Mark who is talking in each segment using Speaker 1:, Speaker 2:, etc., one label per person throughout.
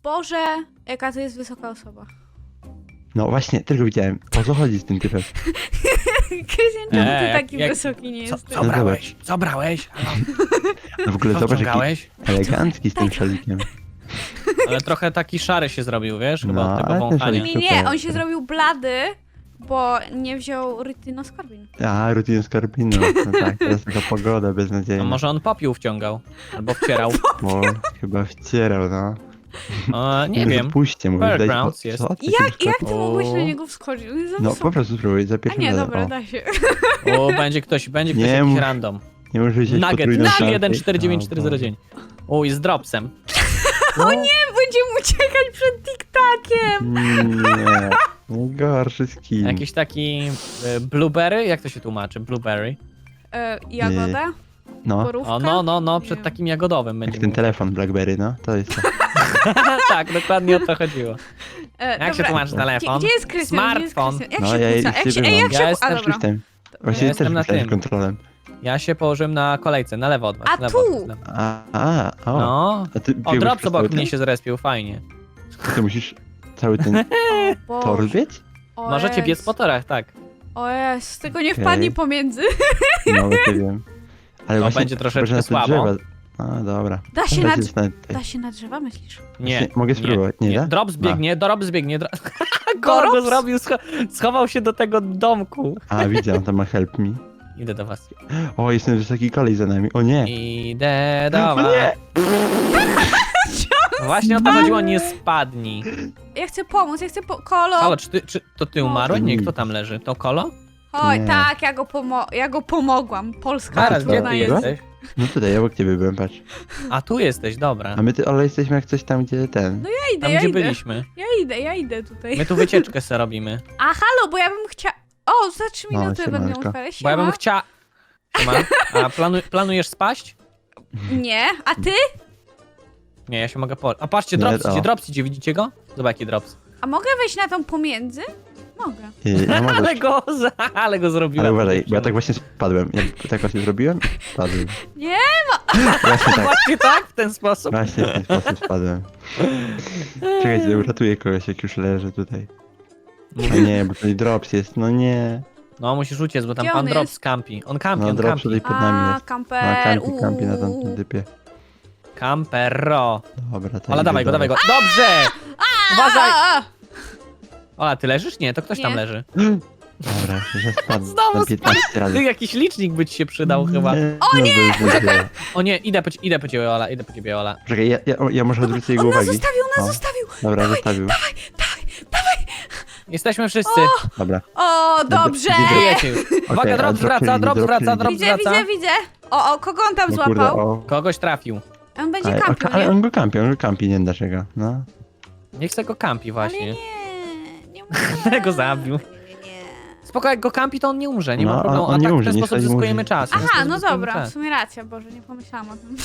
Speaker 1: Boże, jaka to jest wysoka osoba.
Speaker 2: No właśnie, tylko widziałem. O co chodzi z tym typem?
Speaker 1: Krystian, czemu ty taki
Speaker 3: jak-
Speaker 1: wysoki nie jesteś?
Speaker 3: Co brałeś? Co brałeś?
Speaker 2: No w ogóle
Speaker 3: Co
Speaker 2: zobacz, jaki
Speaker 3: wciągałeś?
Speaker 2: elegancki z tym szalikiem.
Speaker 3: Ale trochę taki szary się zrobił, wiesz? Chyba
Speaker 2: No,
Speaker 3: od tego
Speaker 2: ale ten
Speaker 3: wąchania.
Speaker 2: szalik-
Speaker 1: Nie, on się zrobił blady, bo nie wziął rytynoskorbin.
Speaker 2: A, rutin skorpinu. No tak, teraz taka pogoda
Speaker 3: No
Speaker 2: beznadziejna.
Speaker 3: może on popiół wciągał. Albo wcierał.
Speaker 2: Bo chyba wcierał, no.
Speaker 3: Nie wiem.
Speaker 2: Puśćcie, mówisz, daj
Speaker 3: Fairgrounds jest.
Speaker 2: Co? Ty
Speaker 1: Jak ty
Speaker 3: O.
Speaker 1: mogłeś na niego wskoczyć? On jest za
Speaker 2: No
Speaker 1: wysoki.
Speaker 2: po prostu spróbuj, za
Speaker 1: A
Speaker 2: pierwszym
Speaker 1: nie,
Speaker 2: razem.
Speaker 1: dobra,
Speaker 2: O,
Speaker 1: da się.
Speaker 3: O, będzie ktoś
Speaker 2: Nie
Speaker 3: jakiś
Speaker 2: mów.
Speaker 3: random.
Speaker 2: nie muszę wziąć
Speaker 3: Nugget
Speaker 2: potrójną szansę.
Speaker 3: 3149409. O, i z dropsem.
Speaker 2: O
Speaker 1: Nie, będziemy uciekać przed TikTokiem.
Speaker 2: Nie, najgorszy skin.
Speaker 3: Jakiś taki blueberry? Jak to się tłumaczy? Blueberry?
Speaker 1: Jagoda?
Speaker 2: No,
Speaker 1: Borówka?
Speaker 3: O, no,
Speaker 1: Nie
Speaker 3: przed
Speaker 1: wiem.
Speaker 3: takim jagodowym
Speaker 2: jak
Speaker 3: będzie.
Speaker 2: ten telefon Blackberry, no, to jest to.
Speaker 3: Tak, dokładnie o to chodziło. Jak się tłumaczy telefon?
Speaker 1: Gdzie jest Krystian?
Speaker 3: Smartfon.
Speaker 1: Jak
Speaker 2: No,
Speaker 1: się
Speaker 2: ja
Speaker 1: kłóca? Jak się,
Speaker 2: bywam.
Speaker 1: jak
Speaker 3: Ja
Speaker 1: się A
Speaker 3: jestem
Speaker 1: dobra.
Speaker 2: Shiftem. Właśnie
Speaker 3: Ja
Speaker 2: też
Speaker 3: jestem na
Speaker 2: myślałem
Speaker 3: tym.
Speaker 2: kontrolem.
Speaker 3: Ja się położyłem na kolejce, na lewo od was.
Speaker 1: A
Speaker 3: lewo,
Speaker 1: tu!
Speaker 3: od was, lewo.
Speaker 2: O.
Speaker 3: No.
Speaker 2: A ty
Speaker 3: O,
Speaker 2: biegłeś
Speaker 3: drops
Speaker 2: przez
Speaker 3: obok
Speaker 2: cały
Speaker 3: mnie
Speaker 2: ten?
Speaker 3: się zrespił, fajnie.
Speaker 2: Ty musisz cały ten
Speaker 1: O
Speaker 2: tor
Speaker 1: Boże.
Speaker 2: biec?
Speaker 1: O
Speaker 3: Możecie biec
Speaker 1: Jezu.
Speaker 3: po torach, tak.
Speaker 1: O jest, tylko nie
Speaker 2: Okej.
Speaker 1: wpadnij pomiędzy.
Speaker 2: No, nie wiem. Ale
Speaker 3: No,
Speaker 2: właśnie,
Speaker 3: będzie troszeczkę
Speaker 2: może na te
Speaker 3: słabo.
Speaker 2: drzewa. A, dobra.
Speaker 1: Da się
Speaker 2: Teraz
Speaker 1: na,
Speaker 2: jest na tutaj.
Speaker 1: da się na drzewa, myślisz?
Speaker 3: Nie.
Speaker 2: Mogę spróbować, nie da?
Speaker 3: Drops biegnie, drops biegnie. Golo go
Speaker 1: Drops?
Speaker 3: zrobił, schował się do tego domku.
Speaker 2: A, widzę, on tam ma help me.
Speaker 3: Idę do was.
Speaker 2: O, jest ten wysoki kolej za nami. O nie!
Speaker 3: Idę do
Speaker 2: O
Speaker 3: was.
Speaker 2: nie!
Speaker 3: Właśnie o to chodziło, nie spadnij.
Speaker 1: Ja chcę pomóc, ja chcę Kolo!
Speaker 3: Halo, czy to ty umarłeś? Nie, kto tam leży? To Kolo?
Speaker 1: Oj,
Speaker 2: Nie.
Speaker 1: tak, ja go pomogłam. Polska
Speaker 3: Zaraz, gdzie
Speaker 1: trudna
Speaker 3: ty
Speaker 1: jest.
Speaker 3: jesteś?
Speaker 2: No tutaj, obok ciebie byłem, patrz.
Speaker 3: A tu jesteś, dobra.
Speaker 2: A my, ale jesteśmy jak coś tam, gdzie ten.
Speaker 1: No ja idę,
Speaker 3: Tam
Speaker 1: ja
Speaker 3: gdzie
Speaker 1: idę.
Speaker 3: byliśmy.
Speaker 1: Ja idę tutaj.
Speaker 3: My tu wycieczkę se robimy.
Speaker 1: A halo, bo ja bym chciała... O, za 3
Speaker 2: No,
Speaker 1: minuty będę
Speaker 2: siemanko.
Speaker 1: otwierać.
Speaker 3: Bo ja bym
Speaker 1: Siema.
Speaker 3: chciała... A planujesz spaść?
Speaker 1: Nie, a ty?
Speaker 3: Nie, ja się mogę po... A patrzcie,
Speaker 2: Nie,
Speaker 3: drops idzie, widzicie go? Zobacz jaki drops.
Speaker 1: A mogę wejść na tą pomiędzy? Mogę.
Speaker 2: Ja mogę.
Speaker 3: Ale go zrobiłem.
Speaker 2: Ale uważaj, bo ja tak właśnie spadłem. Ja tak właśnie zrobiłem i spadłem.
Speaker 1: Nie,
Speaker 2: Właśnie tak,
Speaker 3: Właśnie tak, w ten sposób.
Speaker 2: właśnie w ten sposób spadłem. Czekajcie, uratuję kogoś, jak już leży tutaj. A nie, bo tutaj drops jest, no nie.
Speaker 3: No musisz uciec, bo tam
Speaker 1: Gdzie
Speaker 3: pan
Speaker 1: on
Speaker 3: drops
Speaker 1: jest?
Speaker 3: campi. On campi,
Speaker 2: No
Speaker 3: on
Speaker 2: drops
Speaker 3: campi.
Speaker 2: tutaj pod nami jest.
Speaker 1: kamper.
Speaker 2: No, kampi na tamtym typie.
Speaker 3: Campero.
Speaker 2: Dobra, to
Speaker 3: Ola,
Speaker 2: idę
Speaker 3: dawaj go,
Speaker 2: dalej.
Speaker 3: dawaj go. Dobrze! Uważaj!
Speaker 1: A.
Speaker 3: Ola, ty leżysz? Nie, to ktoś tam
Speaker 1: Nie.
Speaker 3: leży.
Speaker 2: Dobra, że spadł
Speaker 3: Znowu
Speaker 2: na 15 razy.
Speaker 3: Ty, jakiś licznik by ci się przydał chyba.
Speaker 2: O nie!
Speaker 3: O nie, idę po ciebie, Ola, idę po ciebie, Ola.
Speaker 2: Czekaj, ja może odwrócę jego
Speaker 1: On nas
Speaker 2: uwagi.
Speaker 1: zostawił,
Speaker 2: O,
Speaker 1: zostawił.
Speaker 2: Dobra, zostawił.
Speaker 3: Jesteśmy wszyscy.
Speaker 2: Dobra.
Speaker 1: O, dobrze.
Speaker 3: Żyjecie już. Uwaga,
Speaker 2: Okej,
Speaker 3: drops
Speaker 2: a drop
Speaker 3: wraca,
Speaker 2: się
Speaker 3: drops
Speaker 2: widzi,
Speaker 3: wraca,
Speaker 2: drop
Speaker 3: drops
Speaker 1: Widzę,
Speaker 3: wraca.
Speaker 1: widzę. O, kogo on tam
Speaker 2: No kurde,
Speaker 1: złapał?
Speaker 2: o.
Speaker 3: Kogoś trafił.
Speaker 1: On będzie
Speaker 2: Ale,
Speaker 1: kampił,
Speaker 2: ale
Speaker 1: nie?
Speaker 2: on go kampi, nie wiem dlaczego. No.
Speaker 3: Niech se go kampi
Speaker 1: Ale
Speaker 3: właśnie.
Speaker 1: nie
Speaker 3: Ale go zabił.
Speaker 1: Nie.
Speaker 3: Spoko, jak go kampi, to on nie umrze, nie
Speaker 2: No,
Speaker 3: ma problemu.
Speaker 2: on
Speaker 3: A
Speaker 2: nie
Speaker 3: tak w
Speaker 2: umrze,
Speaker 3: ten
Speaker 2: nie
Speaker 3: sposób
Speaker 2: wsadzi mu
Speaker 3: zyskujemy
Speaker 2: życia.
Speaker 3: czas. w ten
Speaker 1: Aha,
Speaker 3: sposób
Speaker 1: no
Speaker 3: zyskujemy
Speaker 1: dobra,
Speaker 3: czas.
Speaker 1: w sumie racja, Boże, nie pomyślałam o tym.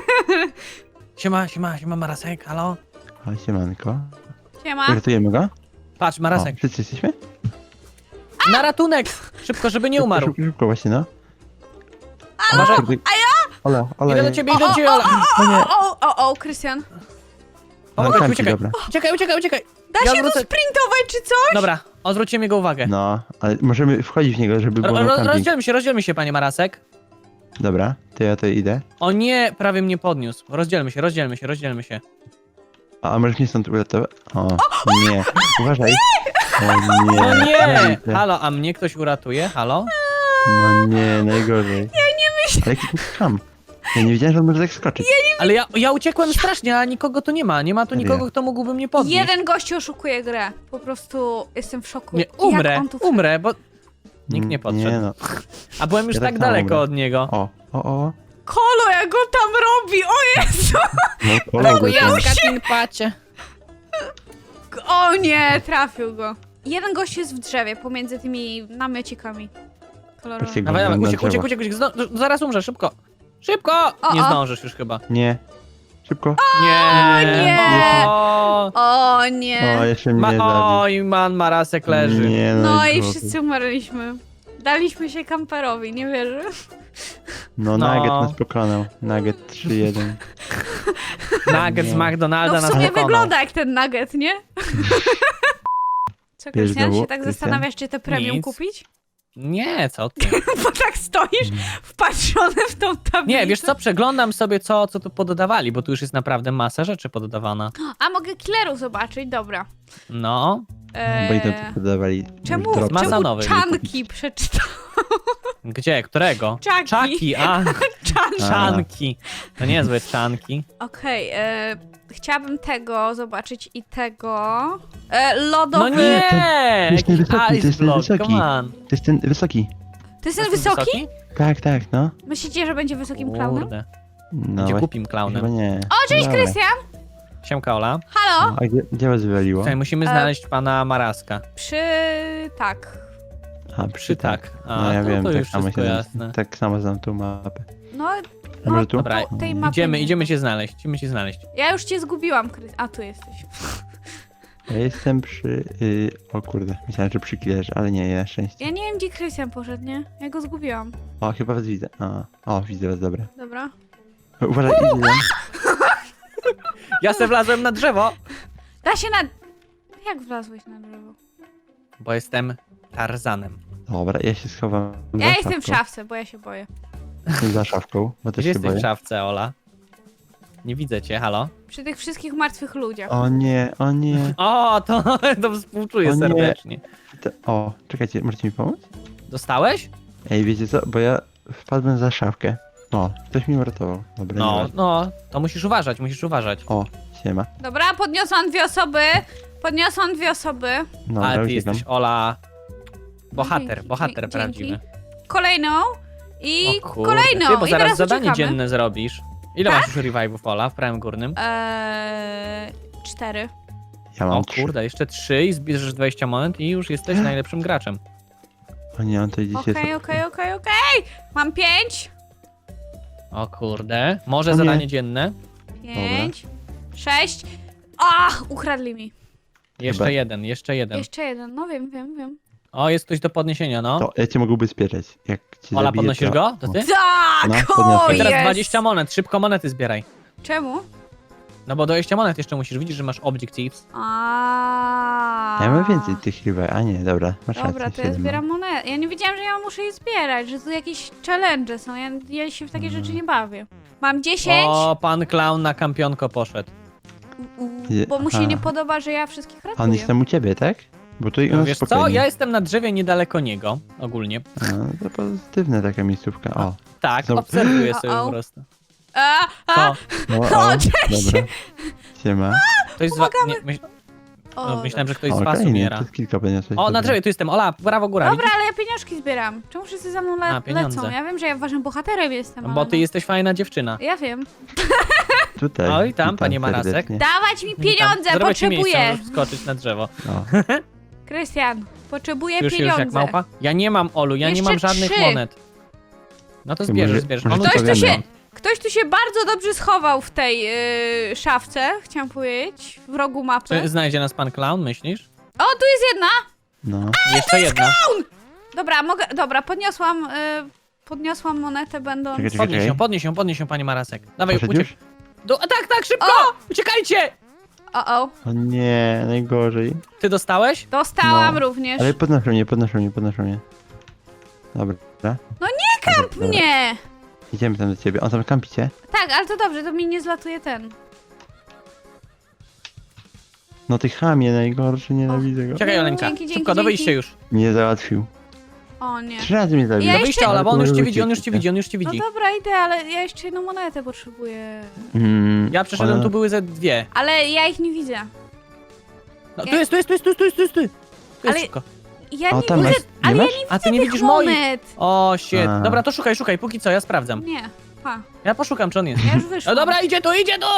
Speaker 3: Siema, Marasek, halo?
Speaker 2: O, siemanko.
Speaker 1: Siema.
Speaker 2: Ratujemy go?
Speaker 3: Patrz,
Speaker 2: O,
Speaker 3: Marasek,
Speaker 2: wszyscy jesteśmy?
Speaker 3: na ratunek! Szybko, żeby nie umarł.
Speaker 2: Szybko, właśnie, no.
Speaker 3: Uważaj,
Speaker 2: Ola,
Speaker 3: idę do ciebie, Ola.
Speaker 2: O nie.
Speaker 1: O, Krystian.
Speaker 3: Pomogę ci,
Speaker 2: kampi,
Speaker 3: uciekaj.
Speaker 2: dobra.
Speaker 3: Uciekaj.
Speaker 1: Da
Speaker 3: Ja
Speaker 1: się tu
Speaker 3: wrócę.
Speaker 1: sprintować czy coś?
Speaker 3: Dobra, odwróciłem jego uwagę.
Speaker 2: No, ale możemy wchodzić w niego, żeby było na camping.
Speaker 3: Rozdzielmy się, panie Marasek.
Speaker 2: Dobra, to ja to idę.
Speaker 3: O nie, prawie mnie podniósł. Rozdzielmy się.
Speaker 2: A możesz mnie stąd uratować? O, nie. Uważaj. O nie.
Speaker 3: No nie!
Speaker 2: Kurde.
Speaker 3: Halo, a mnie ktoś uratuje? Halo?
Speaker 2: No nie, najgorzej. Ja nie myślę. Ale jaki to skam. Ja nie wiedziałem, że on może tak skoczyć.
Speaker 3: Ale ja uciekłem strasznie, a nikogo tu nie ma. Nie ma tu
Speaker 2: Serio?
Speaker 3: nikogo, kto mógłby mnie podnieść.
Speaker 1: Jeden gościu oszukuje grę. Po prostu jestem w szoku.
Speaker 3: Nie,
Speaker 1: Jak
Speaker 3: umrę,
Speaker 1: on tu
Speaker 3: bo nikt nie podszedł.
Speaker 2: Nie no.
Speaker 3: A byłem już
Speaker 2: Ja
Speaker 3: tak
Speaker 2: tak samo
Speaker 3: daleko
Speaker 2: umrę.
Speaker 3: od niego.
Speaker 2: O.
Speaker 1: Kolo, jak go tam robi! O Jezu!
Speaker 2: No, kolego tam.
Speaker 3: pacie.
Speaker 1: O nie, trafił go. Jeden gość jest w drzewie, pomiędzy tymi namiocikami kolorowymi.
Speaker 2: Patrzcie,
Speaker 3: Dawaj,
Speaker 2: na drzewo.
Speaker 3: uciek. Zaraz umrze, szybko. Szybko!
Speaker 1: O,
Speaker 3: Nie
Speaker 1: o.
Speaker 3: zdążysz już chyba.
Speaker 2: Nie. Szybko.
Speaker 3: Nie.
Speaker 1: nie.
Speaker 3: O,
Speaker 1: O nie.
Speaker 2: O, jeszcze mnie zabił.
Speaker 3: oj, Marasek leży.
Speaker 2: Nie,
Speaker 1: No i
Speaker 2: najgorzej.
Speaker 1: wszyscy umarliśmy. Daliśmy się kamperowi, nie wierzę.
Speaker 2: No,
Speaker 3: No.
Speaker 2: Nugget nas pokonał. Nugget 3-1.
Speaker 3: Nugget z McDonalda
Speaker 1: No w
Speaker 3: nas
Speaker 1: sumie
Speaker 3: pokonał.
Speaker 1: wygląda jak ten nugget, nie? Co,
Speaker 2: Wiesz
Speaker 1: Krystian,
Speaker 2: znowu,
Speaker 1: się tak
Speaker 2: Krystian?
Speaker 1: zastanawiasz, czy te premium
Speaker 3: Nic.
Speaker 1: kupić?
Speaker 3: Nie, co ty?
Speaker 1: Bo tak stoisz wpatrzony w tą tablicę.
Speaker 3: Nie, wiesz co, przeglądam sobie co tu pododawali, bo tu już jest naprawdę masa rzeczy pododawana.
Speaker 1: A mogę killerów zobaczyć? Dobra.
Speaker 3: No,
Speaker 2: Bo i to podawali.
Speaker 1: Czemu,
Speaker 2: drop.
Speaker 3: Masa
Speaker 1: czemu
Speaker 3: nowych
Speaker 1: czanki przeczytałem?
Speaker 3: gdzie? Którego?
Speaker 1: Czaki.
Speaker 3: Czaki, a,
Speaker 1: Czanki.
Speaker 3: czanki. To niezłe czanki.
Speaker 1: Okej, chciałabym tego zobaczyć i tego. Lodowy.
Speaker 3: No nie!
Speaker 2: To jest ten wysoki, to
Speaker 3: Ice
Speaker 2: jest ten
Speaker 3: block,
Speaker 2: wysoki.
Speaker 3: come on.
Speaker 2: To jest ten wysoki.
Speaker 1: To jest ten
Speaker 3: Jest
Speaker 1: wysoki?
Speaker 2: Tak, tak, no.
Speaker 1: Myślicie, że będzie wysokim klaunem?
Speaker 3: Kurde.
Speaker 2: No
Speaker 3: Będzie
Speaker 2: właśnie,
Speaker 3: głupim
Speaker 2: chyba
Speaker 3: klaunem.
Speaker 2: nie.
Speaker 1: O, cześć
Speaker 2: Dobra.
Speaker 1: Krystian!
Speaker 3: Siemka, Ola.
Speaker 1: Halo?
Speaker 2: A gdzie was wywaliło?
Speaker 3: Tutaj musimy znaleźć pana Maraska.
Speaker 1: Tak.
Speaker 2: A,
Speaker 3: Przy tak. A,
Speaker 2: No ja
Speaker 3: to,
Speaker 2: wiem,
Speaker 3: to
Speaker 2: tak
Speaker 3: już
Speaker 2: samo
Speaker 3: wszystko
Speaker 2: się
Speaker 3: jasne.
Speaker 2: tak samo znam tą mapę.
Speaker 1: No,
Speaker 2: A może tu?
Speaker 3: Dobra,
Speaker 1: tej mapy nie.
Speaker 3: idziemy cię znaleźć, idziemy cię znaleźć.
Speaker 1: Ja już cię zgubiłam, A, tu jesteś.
Speaker 2: Ja jestem przy... o kurde, myślałem, że przy killerze, ale nie, na szczęście.
Speaker 1: Ja nie wiem, gdzie Krystian poszedł, nie? Ja go zgubiłam.
Speaker 2: O, chyba was widzę. O, widzę was, dobra.
Speaker 1: Dobra.
Speaker 2: Uważaj, idzie tam.
Speaker 3: Ja se wlazłem na drzewo,
Speaker 1: Da się na... Jak wlazłeś na drzewo?
Speaker 3: bo jestem Tarzanem.
Speaker 2: Dobra, ja się schowam za
Speaker 1: Ja jestem w
Speaker 2: szafką.
Speaker 1: szafce, bo ja się boję.
Speaker 2: Za szafką, bo też
Speaker 3: Gdzie
Speaker 2: się
Speaker 3: jesteś
Speaker 2: boję.
Speaker 3: w szafce, Ola? Nie widzę cię, halo?
Speaker 1: Przy tych wszystkich martwych ludziach.
Speaker 2: O nie, o nie.
Speaker 3: O, to współczuję
Speaker 2: O nie.
Speaker 3: serdecznie.
Speaker 2: O, czekajcie, możecie mi pomóc?
Speaker 3: Dostałeś?
Speaker 2: Ej, wiecie co, bo ja wpadłem za szafkę. O, ktoś mi uratował. Dobra,
Speaker 3: No,
Speaker 2: nieważne.
Speaker 3: no, to musisz uważać, musisz uważać.
Speaker 2: O, siema.
Speaker 1: Dobra, podniosłam 2 osoby. Podniosłam 2 osoby.
Speaker 2: Dobra,
Speaker 3: Ale ty
Speaker 2: uciekam.
Speaker 3: jesteś, Ola, bohater,
Speaker 1: Dzięki,
Speaker 3: bohater
Speaker 1: dzięki.
Speaker 3: prawdziwy.
Speaker 1: Kolejną. I
Speaker 3: O kurde.
Speaker 1: kolejną.
Speaker 3: Ty, bo
Speaker 1: I
Speaker 3: zaraz
Speaker 1: teraz
Speaker 3: zadanie
Speaker 1: uciekamy.
Speaker 3: dzienne zrobisz. Ile
Speaker 1: Tak?
Speaker 3: masz już revive'ów, Ola, w prawym górnym?
Speaker 1: 4.
Speaker 2: Ja mam
Speaker 3: O
Speaker 2: 3.
Speaker 3: kurde, jeszcze 3 i zbierzesz 20 monet i już jesteś najlepszym graczem.
Speaker 2: O nie, on to idzie
Speaker 1: Okej. Mam 5.
Speaker 3: O kurde. Może
Speaker 2: O nie.
Speaker 3: zadanie dzienne?
Speaker 1: 5. 6. Ukradli mi.
Speaker 3: Jeszcze
Speaker 2: Chyba.
Speaker 3: jeden, jeszcze jeden.
Speaker 1: Jeszcze jeden. No wiem.
Speaker 3: O, jest ktoś do podniesienia, no.
Speaker 2: To ja cię mogę ubezpieczać. Jak cię
Speaker 3: Ola,
Speaker 2: zabiję,
Speaker 3: podnosisz
Speaker 2: to...
Speaker 3: go? To ty?
Speaker 1: Tak!
Speaker 2: No,
Speaker 1: o,
Speaker 2: podniosłem.
Speaker 3: I teraz
Speaker 1: jest.
Speaker 3: 20 monet, szybko monety zbieraj.
Speaker 1: Czemu?
Speaker 3: No bo 20 monet jeszcze musisz, widzisz, że masz objectives.
Speaker 2: Ja mam więcej tych chyba, a nie, dobra, masz
Speaker 1: Dobra,
Speaker 2: rację,
Speaker 1: to ja
Speaker 2: 7
Speaker 1: zbieram monety. Ja nie wiedziałam, że ja muszę je zbierać, że tu jakieś challenge są. Ja się w takie rzeczy nie bawię. Mam 10,
Speaker 3: O, pan clown na kampionko poszedł.
Speaker 1: bo mu się
Speaker 2: Aha.
Speaker 1: nie podoba, że ja wszystkich
Speaker 2: A on
Speaker 1: ratuję.
Speaker 2: jest tam u ciebie, tak? Bo tu u
Speaker 3: No
Speaker 2: nas
Speaker 3: wiesz co,
Speaker 2: spokojnie.
Speaker 3: ja jestem na drzewie niedaleko niego, ogólnie.
Speaker 2: No, to pozytywna taka miejscówka, o.
Speaker 3: Tak,
Speaker 2: Znowu-
Speaker 3: obserwuję sobie
Speaker 1: O-o.
Speaker 3: po prostu.
Speaker 1: A,
Speaker 3: Co?
Speaker 2: No,
Speaker 1: O, cześć!
Speaker 2: Dobra. Siema.
Speaker 3: Ktoś z was...
Speaker 1: o,
Speaker 3: myślałem, że ktoś
Speaker 2: O,
Speaker 3: z was
Speaker 2: okej, nie,
Speaker 3: umiera.
Speaker 2: to kilka podniosłeś.
Speaker 3: O, na
Speaker 2: dobra.
Speaker 3: drzewie, tu jestem. Ola, brawo, góra.
Speaker 1: Dobra, ale ja pieniążki zbieram. Czemu wszyscy za mną
Speaker 3: A, pieniądze.
Speaker 1: lecą? Ja wiem, że ja ważnym bohaterem jestem, ale
Speaker 3: Bo ty
Speaker 1: no.
Speaker 3: jesteś fajna dziewczyna.
Speaker 1: Ja wiem.
Speaker 2: Tutaj.
Speaker 3: Oj, tam,
Speaker 2: witam
Speaker 3: panie Marasek.
Speaker 2: serdecznie.
Speaker 1: Dawać mi pieniądze,
Speaker 3: Zrobię ci miejsce,
Speaker 1: potrzebuję.
Speaker 3: możesz wskoczyć na drzewo.
Speaker 2: O,
Speaker 1: Krystian, potrzebuję
Speaker 3: Już
Speaker 1: pieniądze.
Speaker 3: jak małpa? Ja nie mam, Olu, ja nie
Speaker 1: Jeszcze
Speaker 3: mam żadnych
Speaker 1: 3.
Speaker 3: monet. No to
Speaker 2: Ty
Speaker 3: zbierzesz,
Speaker 2: może-
Speaker 3: zbierzesz.
Speaker 2: może
Speaker 3: On
Speaker 2: to
Speaker 1: Ktoś tu
Speaker 2: powiemy.
Speaker 1: się, ktoś tu się bardzo dobrze schował w tej szafce, chciałam powiedzieć, w rogu mapy.
Speaker 3: Czy znajdzie nas pan clown, myślisz?
Speaker 1: O, tu jest jedna!
Speaker 2: no.
Speaker 3: Jeszcze jedna.
Speaker 1: Dobra, podniosłam monetę, będąc...
Speaker 2: Czekaj,
Speaker 3: Podnieś ją, panie Marasek. Dawaj,
Speaker 2: Poszedł
Speaker 3: uciek.
Speaker 2: już?
Speaker 3: Tak, szybko! Uciekajcie!
Speaker 1: O,
Speaker 2: O nie, najgorzej.
Speaker 3: Ty dostałeś?
Speaker 1: dostałam
Speaker 2: No,
Speaker 1: również.
Speaker 2: Ale podnoszą mnie. Dobra.
Speaker 1: No nie kamp
Speaker 2: Dobra.
Speaker 1: mnie!
Speaker 2: Idziemy tam do ciebie. On tam kampicie?
Speaker 1: Tak, ale to dobrze, to mi nie zlatuje ten.
Speaker 2: No ty chamie, najgorszy, nienawidzę go.
Speaker 3: Czekaj, Oleńka.
Speaker 1: Dzięki,
Speaker 3: Szybko, do
Speaker 1: dzięki.
Speaker 3: wyjścia już.
Speaker 2: Nie załatwił.
Speaker 1: O nie.
Speaker 2: 3 razy mnie zabił.
Speaker 1: Ja
Speaker 3: Do
Speaker 1: jeszcze-
Speaker 3: wyjścia, Ola, bo on już cię widzi, on już cię
Speaker 2: Uciekł.
Speaker 3: widzi, on już cię
Speaker 1: No
Speaker 3: widzi.
Speaker 1: dobra, idę, ale ja jeszcze jedną monetę potrzebuję.
Speaker 3: Ja przeszedłem,
Speaker 2: ona-
Speaker 3: tu były ze 2.
Speaker 1: Ale ja ich nie widzę.
Speaker 3: No,
Speaker 1: Ja-
Speaker 3: tu jest. Tu jest
Speaker 1: Ale-
Speaker 3: szybko.
Speaker 1: Ja
Speaker 2: O,
Speaker 1: nie
Speaker 2: tam
Speaker 1: widzę,
Speaker 2: masz? Nie
Speaker 1: ale ja
Speaker 2: masz?
Speaker 1: nie widzę
Speaker 3: A ty nie
Speaker 1: tych
Speaker 3: widzisz moich.
Speaker 1: monet.
Speaker 3: O, shit.
Speaker 2: A.
Speaker 3: Dobra, to szukaj, póki co, ja sprawdzam.
Speaker 1: Nie, pa,
Speaker 3: Ja poszukam, czy on jest.
Speaker 1: ja już wyszłam.
Speaker 3: No dobra, idzie tu!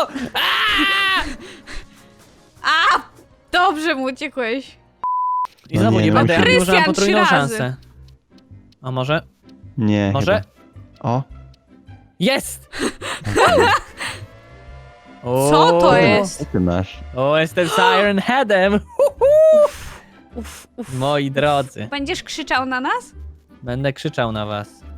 Speaker 1: A! Dobrze mu uciekłeś.
Speaker 3: I
Speaker 2: No
Speaker 3: znowu
Speaker 2: nie,
Speaker 3: nie
Speaker 2: no
Speaker 3: będę, ja
Speaker 1: Krystian,
Speaker 3: użyłam potrójną
Speaker 1: 3 razy.
Speaker 3: szansę. A może?
Speaker 2: Nie,
Speaker 3: Może?
Speaker 2: chyba. O.
Speaker 3: Jest!
Speaker 2: okej.
Speaker 1: Co to
Speaker 3: O,
Speaker 1: jest?
Speaker 2: Co ty masz?
Speaker 3: O, jestem Siren Headem!
Speaker 1: Uf.
Speaker 3: Moi drodzy,
Speaker 1: Będziesz krzyczał na nas?
Speaker 3: będę krzyczał na was.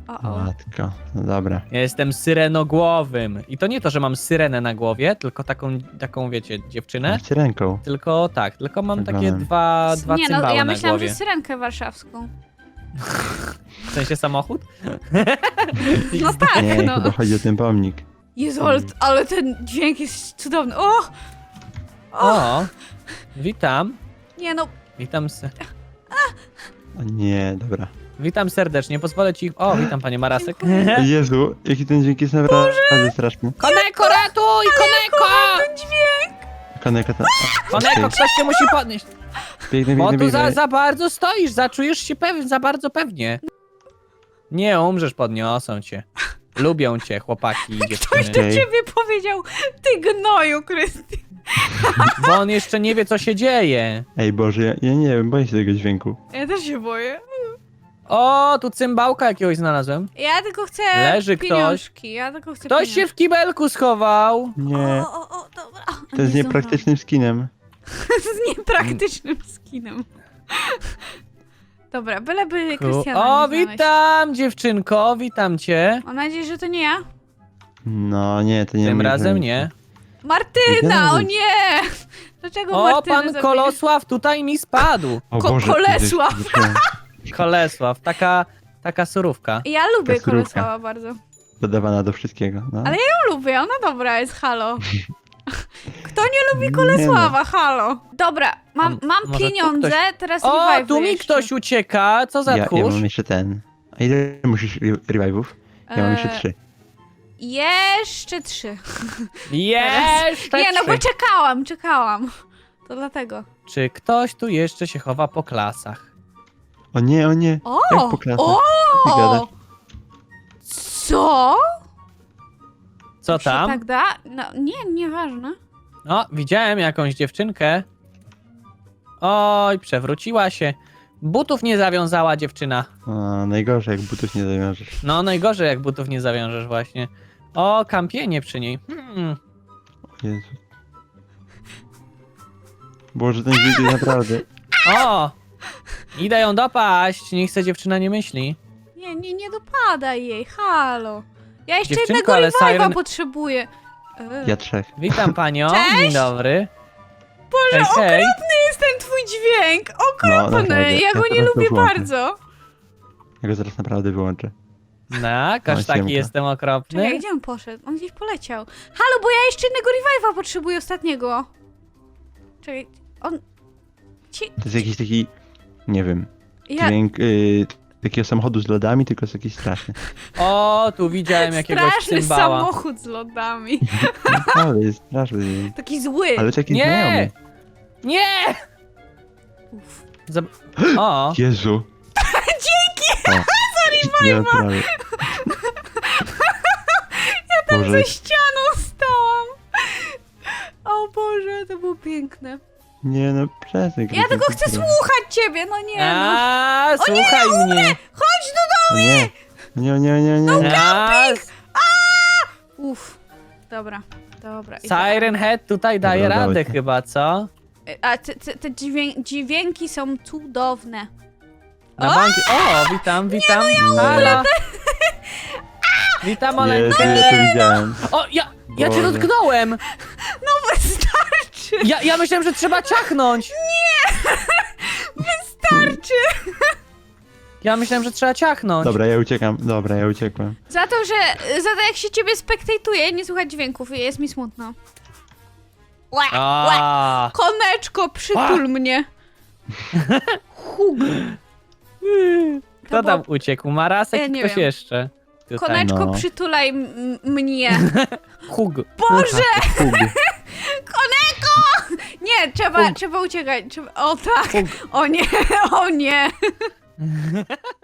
Speaker 1: O.
Speaker 2: Matko, no dobra.
Speaker 3: Ja jestem syrenogłowym. I to nie to, że mam syrenę na głowie, tylko taką wiecie, dziewczynę.
Speaker 2: Macie ręką.
Speaker 3: Tylko tak, tylko mam takie
Speaker 2: Ogonem.
Speaker 3: dwa
Speaker 1: Nie,
Speaker 3: cymbały
Speaker 1: no ja
Speaker 3: na
Speaker 1: myślałam,
Speaker 3: głowie.
Speaker 1: że syrenkę warszawską.
Speaker 3: W sensie samochód?
Speaker 1: No tak,
Speaker 2: Nie,
Speaker 1: no.
Speaker 2: chyba chodzi o ten pomnik.
Speaker 1: Jezu, ale ten dźwięk jest cudowny. O!
Speaker 3: O, witam.
Speaker 1: Nie no,
Speaker 3: Witam,
Speaker 2: O nie, dobra.
Speaker 3: witam serdecznie, pozwolę ci... O, witam panie Marasek.
Speaker 2: O Jezu, jaki ten dźwięk jest naprawdę straszny.
Speaker 3: Koneko, ratuj! Koneko!
Speaker 1: ten dźwięk!
Speaker 2: Koneka to...
Speaker 3: Koneko, ktoś cię musi podnieść.
Speaker 2: Biegnę,
Speaker 3: Bo
Speaker 2: biegnę,
Speaker 3: tu
Speaker 2: biegnę.
Speaker 3: za bardzo stoisz, zaczujesz się za bardzo pewnie. Nie umrzesz, podniosą cię. Lubią cię chłopaki i dziewczyny.
Speaker 1: Do ciebie powiedział, ty gnoju, Krystian.
Speaker 3: Bo on jeszcze nie wie, co się dzieje.
Speaker 2: Ej Boże, ja nie wiem, boję się tego dźwięku.
Speaker 1: Ja też się boję.
Speaker 3: O, tu cymbałka jakiegoś znalazłem.
Speaker 1: Ja tylko chcę
Speaker 3: Leży ktoś.
Speaker 1: pieniążki. Ja tylko chcę
Speaker 3: Ktoś się
Speaker 1: pieniążki.
Speaker 3: w kibelku schował.
Speaker 2: Nie,
Speaker 1: O, dobra.
Speaker 2: to jest
Speaker 1: Nie
Speaker 2: niepraktycznym skinem.
Speaker 1: z niepraktycznym skinem. Dobra, byleby Krystiana
Speaker 3: O,
Speaker 1: nie znaleźć.
Speaker 3: witam dziewczynko, witam cię.
Speaker 1: Mam nadzieję, że to nie ja.
Speaker 2: No nie, to nie
Speaker 3: Tym
Speaker 2: mój
Speaker 3: razem
Speaker 2: zajęcie.
Speaker 3: nie.
Speaker 1: Martyna, o
Speaker 2: Nie.
Speaker 1: nie! Dlaczego
Speaker 3: O,
Speaker 1: Martynę
Speaker 3: pan
Speaker 1: zabiłeś?
Speaker 3: Kolosław tutaj mi spadł.
Speaker 2: O
Speaker 1: Ko-
Speaker 2: Boże,
Speaker 1: Kolesław.
Speaker 3: Kolesław, taka surówka.
Speaker 1: Ja lubię
Speaker 2: Ta surówka.
Speaker 1: Kolesława bardzo.
Speaker 2: Dodawana do wszystkiego. No.
Speaker 1: Ale ja lubię, ona dobra jest, halo. Kto nie lubi Kolesława, halo? Dobra, mam
Speaker 3: może tu
Speaker 1: pieniądze, teraz
Speaker 3: O,
Speaker 1: revive
Speaker 3: tu mi
Speaker 1: jeszcze.
Speaker 3: ktoś ucieka, co za
Speaker 2: Ja
Speaker 3: tchórz?
Speaker 2: mam jeszcze ten. A ile musisz revive'ów? Ja mam jeszcze 3.
Speaker 1: Jeszcze 3.
Speaker 3: Jeszcze
Speaker 1: Nie, no bo
Speaker 3: trzy.
Speaker 1: czekałam. To dlatego.
Speaker 3: Czy ktoś tu jeszcze się chowa po klasach?
Speaker 2: O nie, o nie.
Speaker 1: O!
Speaker 2: Jak po klasach? Ty
Speaker 1: O!
Speaker 2: gadasz?
Speaker 1: Co?
Speaker 3: Co
Speaker 1: Się
Speaker 3: tam?
Speaker 1: tak da? No, nie, nieważne.
Speaker 3: O, widziałem jakąś dziewczynkę. Oj, przewróciła się. Butów nie zawiązała dziewczyna.
Speaker 2: O, najgorzej, jak butów nie zawiążesz.
Speaker 3: No, najgorzej jak butów nie zawiążesz właśnie. O, kampienie przy niej.
Speaker 2: O Jezu. Boże, ten dźwięk jest naprawdę...
Speaker 3: O! Idę ją dopaść, niech se dziewczyna nie myśli.
Speaker 1: Nie dopadaj jej, halo. Ja jeszcze
Speaker 3: Dziewczynko,
Speaker 1: jednego
Speaker 3: ale
Speaker 1: revive'a
Speaker 3: Siren-
Speaker 1: potrzebuję.
Speaker 2: Ja 3.
Speaker 3: Witam panią,
Speaker 1: Cześć!
Speaker 3: dzień dobry.
Speaker 1: Boże,
Speaker 3: Hej, hej.
Speaker 1: okropny jest ten twój dźwięk!
Speaker 2: No,
Speaker 1: Okropny!
Speaker 2: naprawdę,
Speaker 1: Ja go
Speaker 2: ja
Speaker 1: nie
Speaker 2: teraz to
Speaker 1: lubię
Speaker 2: włączę.
Speaker 1: bardzo.
Speaker 2: Ja go zaraz naprawdę wyłączę.
Speaker 3: No, każ taki
Speaker 2: siemka.
Speaker 3: jestem okropny.
Speaker 1: Czekaj, gdzie on poszedł? On gdzieś poleciał. Halo, bo ja jeszcze jednego revive'a potrzebuję ostatniego. Czekaj, on...
Speaker 2: To jest jakiś taki... Nie wiem.
Speaker 1: Ja...
Speaker 2: Dźwięk takiego samochodu z lodami, tylko jest jakiś straszny.
Speaker 3: O, tu widziałem jakiegoś
Speaker 1: Straszny
Speaker 3: cymbała.
Speaker 1: samochód z lodami.
Speaker 2: Naprawdę jest straszny dźwięk.
Speaker 1: Taki zły.
Speaker 2: Ale taki
Speaker 3: Nie!
Speaker 2: znajomy.
Speaker 3: Nie!
Speaker 1: Uf.
Speaker 3: O,
Speaker 2: Jezu. Dzięki! Sorry, naprawdę. Ja tam Boże,
Speaker 1: Ze ścianą stałam. O Boże, to było piękne.
Speaker 2: nie no, przestań.
Speaker 1: Ja tylko chcę słuchać ciebie, no nie no.
Speaker 3: a, słuchaj mnie.
Speaker 1: Chodź do domu!
Speaker 2: Nie.
Speaker 1: Uff. Dobra.
Speaker 3: Siren Head tutaj daje
Speaker 2: Dobra,
Speaker 3: radę
Speaker 2: dawajcie.
Speaker 3: chyba, co?
Speaker 1: A te dźwięki są cudowne.
Speaker 3: Na banki. O, witam. Halo. Witam,
Speaker 2: Jezu,
Speaker 3: Oleńkę.
Speaker 2: ja to widziałem.
Speaker 3: O, ja cię
Speaker 2: Boże.
Speaker 3: dotknąłem.
Speaker 1: No wystarczy!
Speaker 3: Ja myślałem, że trzeba ciachnąć.
Speaker 1: Wystarczy!
Speaker 3: Ja myślałem, że trzeba ciachnąć.
Speaker 2: Dobra, ja uciekam. Dobra, ja uciekłem.
Speaker 1: Za to jak się ciebie spektatuje, nie słuchać dźwięków, jest mi smutno. Łe, łe.
Speaker 3: A,
Speaker 1: Koneczko, przytul mnie. Hug.
Speaker 3: kto tam uciekł? Marasek
Speaker 1: Ja
Speaker 3: i
Speaker 1: nie
Speaker 3: ktoś
Speaker 1: wiem.
Speaker 3: jeszcze. Tutaj.
Speaker 1: Koneczko,
Speaker 2: No.
Speaker 1: przytulaj mnie.
Speaker 3: Hug.
Speaker 1: Boże!
Speaker 2: Hug.
Speaker 1: Nie, trzeba uciekać. O tak.
Speaker 3: Hug.
Speaker 1: O nie, o nie.